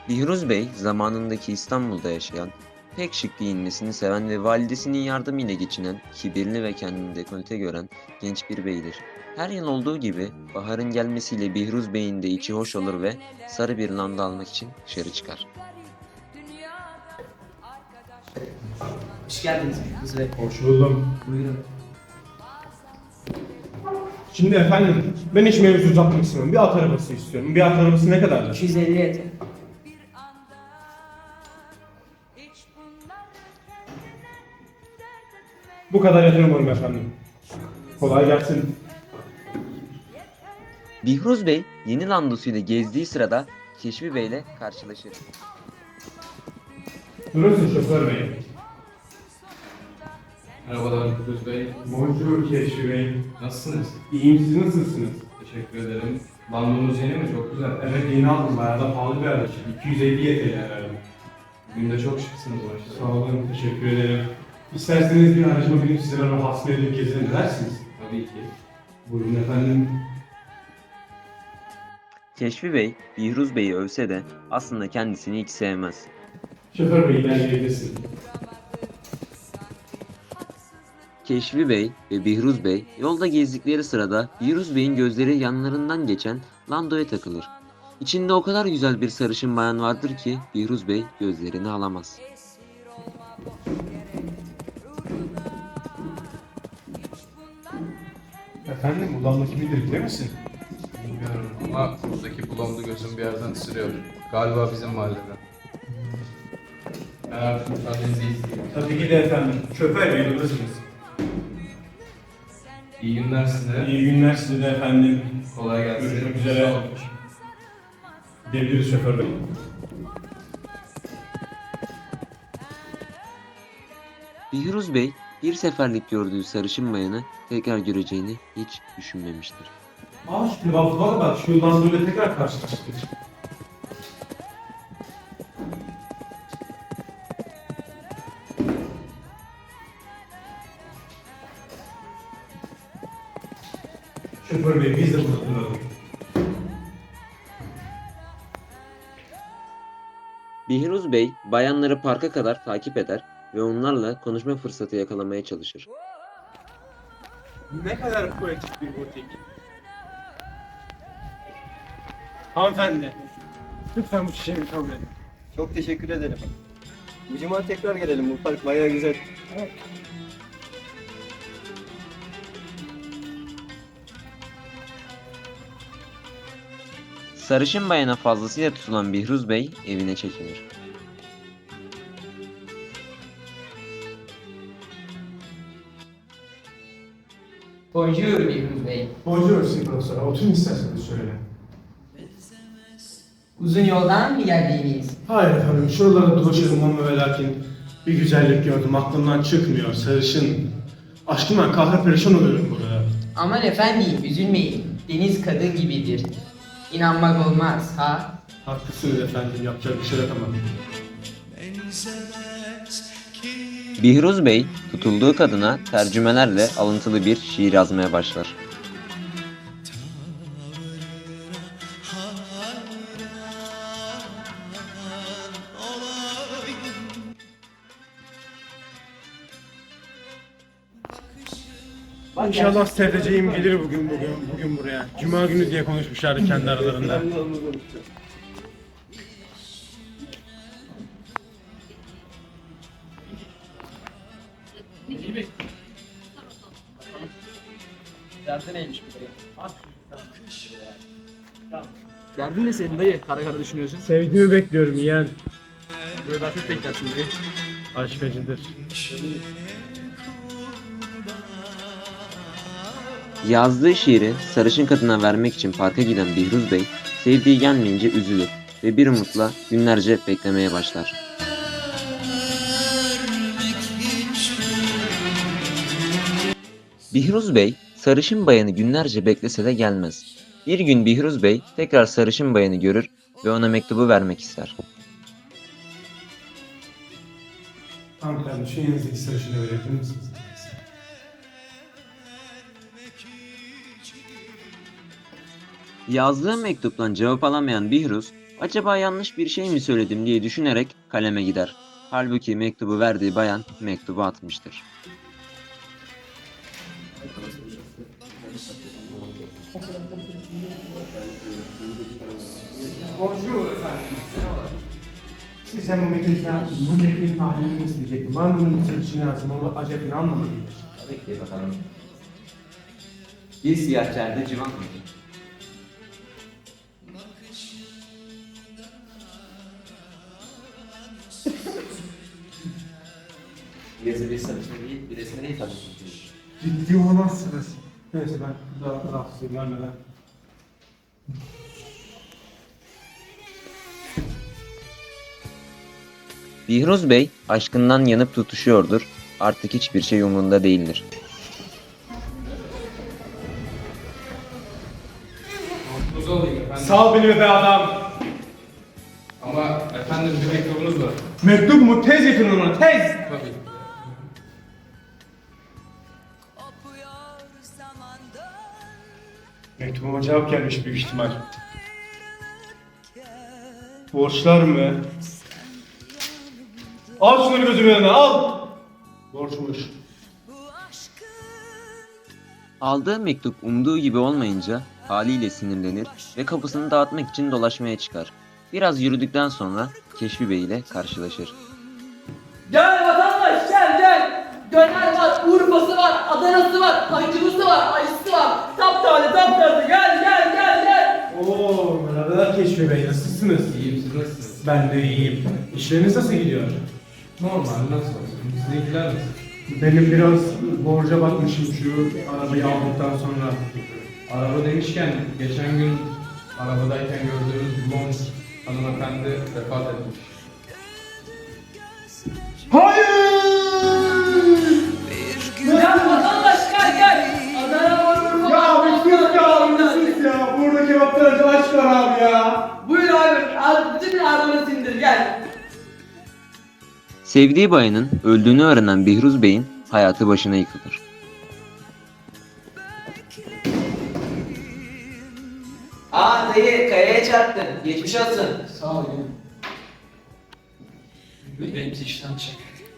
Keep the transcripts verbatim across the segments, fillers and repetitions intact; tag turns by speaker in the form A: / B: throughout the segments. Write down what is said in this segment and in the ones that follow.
A: Bihruz Bey, zamanındaki İstanbul'da yaşayan, pek şık giyinmesini seven ve validesinin yardımıyla geçinen, kibirli ve kendini dekolte gören genç bir beydir. Her yıl olduğu gibi baharın gelmesiyle Bihruz Bey'in de içi hoş olur ve sarı bir landa almak için dışarı çıkar.
B: Hoş geldiniz Kız Bey.
C: Hoş buldum.
B: Buyurun.
C: Şimdi efendim, ben hiç mevzu uzatmak istemiyorum. Bir at arabası istiyorum. Bir at arabası ne kadardır?
B: iki yüz elli yeter.
C: Bu kadar yeter umarım efendim. Kolay gelsin.
A: Bihruz Bey, yeni landosuyla gezdiği sırada Keşfi Bey ile karşılaşır.
C: Durursun şoför bey.
D: Merhabalar Kudüs Bey.
C: Bonjour Keşfi Bey.
D: Nasılsınız?
C: İyiyim, siz nasılsınız?
D: Teşekkür ederim. Bandonuz yeni mi? Çok güzel.
C: Evet, yeni aldım. Bayağı da pahalı bir araç. iki yüz elli Y T L herhalde.
D: Bugün de çok şıksınız maşallah.
C: Sağ olun, teşekkür ederim. İsterseniz bir aracıma binip sizlere rahatsız edip gezelim dersiniz.
D: Tabii ki.
C: Buyurun efendim.
A: Keşfi Bey, Bihruz Bey'i övse de aslında kendisini hiç sevmez.
C: Şoför bey ilerleyebilirsin.
A: Keşfi Bey ve Bihruz Bey yolda gezdikleri sırada Bihruz Bey'in gözleri yanlarından geçen Lando'ya takılır. İçinde o kadar güzel bir sarışın bayan vardır ki Bihruz Bey gözlerini alamaz.
C: Efendim, ulandaki bilir bilir misin?
D: Bilmiyorum ama buradaki bulondu gözüm bir yerden ısırıyor. Galiba bizim mahalleden. Ben artık müsaadenizi isteyeyim.
C: Tabii ki de efendim. Şoför bey, buradasınız.
D: İyi günler size.
C: İyi günler size de efendim.
D: Kolay gelsin.
C: Görüşmek üzere.
D: Sağ olun.
C: Gidebiliriz şoför bey.
A: Bihruz Bey bir seferlik gördüğü sarışın bayanı tekrar göreceğini hiç düşünmemiştir.
C: Aa, şimdi bak bak bak, şu Lando'yla tekrar karşılaştık. Şoför bey, biz de burada duralım.
A: Bihruz Bey bayanları parka kadar takip eder ve onlarla konuşma fırsatı yakalamaya çalışır.
C: Ne kadar poetik bir butik. Hanımefendi, lütfen bu çiçeğimi kabul edin.
E: Çok teşekkür ederim. Bu cuma tekrar gelelim. Bu park bayağı güzel.
A: Sarışın bayana fazlasıyla tutulan Bihruz Bey evine çekilir.
B: Bonjour Bihruz Bey.
C: Bonjour Sayın Profesör. Oturun isterseniz şöyle.
B: Uzun yoldan mı geldiniz?
C: Hayır efendim, şuralarda dolaşıyorum ama ve lakin bir güzellik gördüm. Aklımdan çıkmıyor. Sarışın. Aşkımdan kahve perişan oluyorum burada.
B: Aman efendim üzülmeyin. Deniz kadın gibidir. İnanmak olmaz ha?
C: Haklısınız efendim. Yapacak bir şey yok ama.
A: Bihruz Bey tutulduğu kadına tercümelerle alıntılı bir şiir yazmaya başlar.
C: İnşallah sevdiceğim gelir bugün bugün bugün buraya. Cuma günü diye konuşmuşlardı kendi aralarında.
F: Derdin neymiş bu dayı? Derdin ne senin dayı? Kara kara düşünüyorsun.
C: Sevdiğimi bekliyorum yeğen.
F: Böyle daha çok beklersin dayı.
C: Aşk acıdır.
A: Yazdığı şiiri sarışın kadına vermek için parka giden Bihruz Bey, sevdiği gelmeyince üzülür ve bir umutla günlerce beklemeye başlar. Bihruz Bey, sarışın bayanı günlerce beklese de gelmez. Bir gün Bihruz Bey tekrar sarışın bayanı görür ve ona mektubu vermek ister.
C: Hanımefendi, şu yanınızdaki sarışını verebilir misiniz?
A: Yazdığı mektuptan cevap alamayan Bihruz, Acaba yanlış bir şey mi söyledim diye düşünerek kaleme gider. Halbuki mektubu verdiği bayan mektubu atmıştır.
C: Bonjour efendim. Sizden bu metin bu metnin tahlilini isteyecektim. Var mı bunun için lazım? Onu acaba anlamadım.
A: Tabii ki bakalım. Bir siyah çerde civan mıdır? Bir yazı bir satışma değil, bir resme değil tabii.
C: Ciddi olamazsınız. Neyse ben daha rahatsızım vermeden.
A: Bihruz Bey aşkından yanıp tutuşuyordur. Artık hiçbir şey umurunda değildir.
D: Mutlu olayım efendim.
C: Sal beni be adam.
D: Ama efendim bir mektubunuz var.
C: Mektup mu? Tez getirin ona, tez!
D: Tabii.
C: Mektubuma cevap gelmiş büyük ihtimal. Borçlar mı? Al şunları gözümün önüne, al! Borçmuş.
A: Aldığı mektup umduğu gibi olmayınca haliyle sinirlenir ve kapısını dağıtmak için dolaşmaya çıkar. Biraz yürüdükten sonra Keşfi Bey ile karşılaşır.
G: Gel vatandaş gel gel. Döner var, Urfa'sı var, Adana'sı var, Acılısı var, Ayısı var. Taptaze taptaze gel gel gel gel.
C: Oo, merhabalar Keşfi Bey, nasılsınız?
D: İyiyim, siz nasılsınız?
C: Ben de iyiyim. İşleriniz nasıl gidiyor?
D: Normal, nasıl olsun? Sizinkiler nasıl?
C: Benim biraz borca batmışım şu arabayı aldıktan sonra.
D: Araba demişken, geçen gün arabadayken gördüğünüz blond hanımefendi vefat etmiş.
C: Hayır!
G: Gel vatandaş gel gel. Adana var, Urfa
C: Ya
G: var.
C: bir sus ya, bir sus ya. Burada kebaplarcı aç var abi ya.
G: Buyur abi, al bütün arabanı sindir gel.
A: Sevdiği bayanın öldüğünü öğrenen Bihruz Bey'in hayatı başına yıkılır.
B: Aa dayı kayaya çarptın. Geçmiş olsun.
F: Sağ ol ya. Benim işten çek.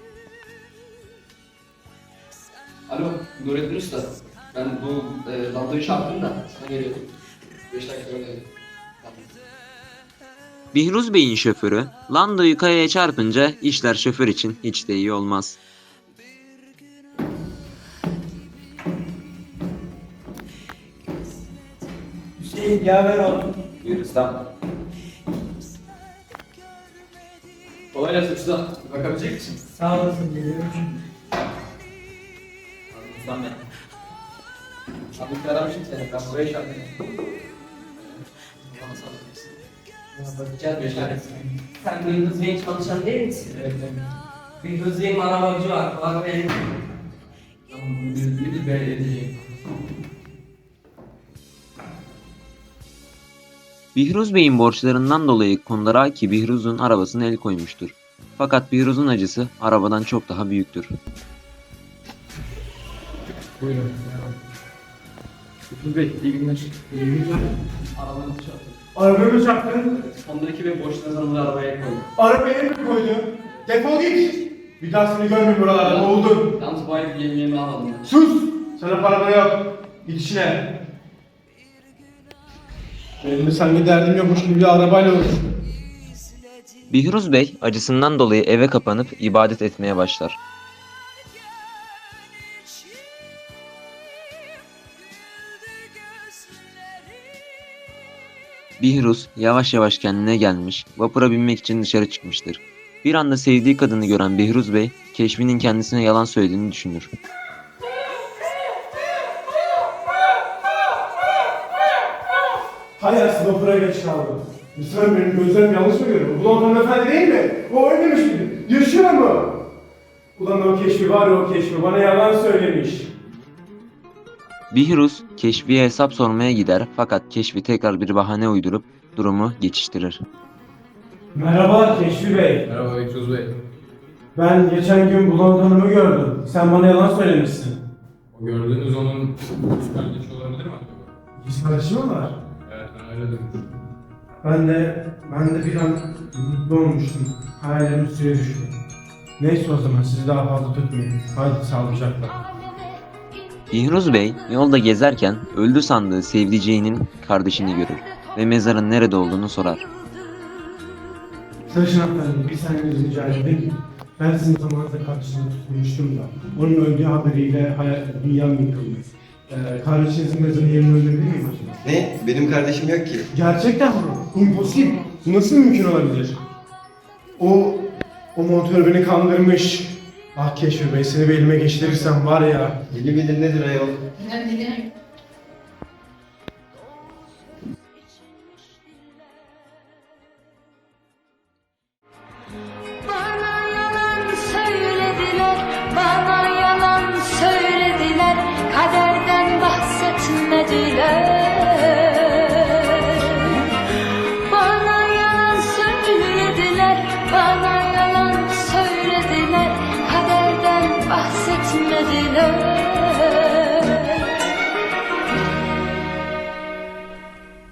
F: Alo, Nurettin Usta. Ben bu e, Lando'yu çarptım da sana geliyordum. Beş dakika sonra geldim. Tamam.
A: Bihruz Bey'in şoförü Lando'yu kayaya çarpınca işler şoför için hiç de iyi olmaz.
E: Hüseyin ya ver oğlum.
A: Buyur ustam.
F: Kolay gelsin usta. Bakabilecek misin?
E: Sağ olasın geliyorum.
A: Ustam ben.
F: Abi bir aramışım seni. Ben buraya çarptım. Bana sağ olasın.
G: Bakacağız bir tane. Sen Gündüz Bey'in çalışan değil misin?
F: Evet, evet.
G: Gündüz Bey'in arabacı var. Var benim.
F: Tamam, bunu bir, bir, bir edeceğim.
A: Bihruz Bey'in borçlarından dolayı Kondaraki Bihruz'un arabasına el koymuştur. Fakat Bihruz'un acısı arabadan çok daha büyüktür.
F: Buyurun. Yusuf Bey, iyi günler. İyi günler. Arabanızı çarptım.
C: Arabayı mı çarptın?
F: Honda iki ve borçlarınızı arabaya koydum.
C: Arabaya mı koydun? Defol git! Bir daha seni görmeyeyim buralarda, oldun.
F: Yalnız bu ay yemeğimi almadım.
C: Sus! Sana para da yok. Git işine. Benim de sanki derdim yokmuş gibi bir arabayla uğraşıyorum.
A: Bihruz Bey acısından dolayı eve kapanıp ibadet etmeye başlar. Bihruz yavaş yavaş kendine gelmiş, vapura binmek için dışarı çıkmıştır. Bir anda sevdiği kadını gören Bihruz Bey, Keşfi'nin kendisine yalan söylediğini düşünür.
C: Hay aslında vapura geç kaldım. Lütfen benim gözlerim yanlış mı görüyor? Ulan hanımefendi değil mi? O ölmemiş miydi? Yaşıyor mu? Ulan o Keşfi var ya, o Keşfi bana yalan söylemiş.
A: Bihruz, Keşfi'ye hesap sormaya gider fakat Keşfi tekrar bir bahane uydurup durumu geçiştirir.
C: Merhaba Keşfi Bey.
D: Merhaba Yusuf Bey.
C: Ben geçen gün Bulan Hanım'ı gördüm. Sen bana yalan söylemişsin.
D: O gördüğünüz onun kız kardeşi olabilir mi acaba?
C: Kız kardeşi mi var?
D: Evet, ben öyle dedim.
C: Ben de, ben de bir an mutlu olmuştum. Hayallerim suya düştü. Neyse o zaman sizi daha fazla tutmayayım. Hadi sağlıcakla.
A: Bihruz Bey yolda gezerken öldü sandığı sevdiceğinin kardeşini görür ve mezarın nerede olduğunu sorar.
C: Sarışın hanımefendi, bir saniye rica edeyim. Ben sizin zamanınızda kardeşini tutmuştum da. Onun öldüğü haberiyle hayal, dünyam yıkıldı. Ee, kardeşinizin mezarı yerini öldürebilir miyim acaba?
E: Ne? Benim kardeşim yok ki.
C: Gerçekten mi? Impossible. Bu nasıl mümkün olabilir? O, o montör beni kandırmış. Ah Keşfi Bey, seni bir elime geçirirsem var ya.
E: Deli midir nedir ayol?
H: Bana yalan söylediler, bana yalan söylediler, kaderden bahsetmediler. Bana yalan söylediler, bana yalan söylediler, kaderden bahsetmediler.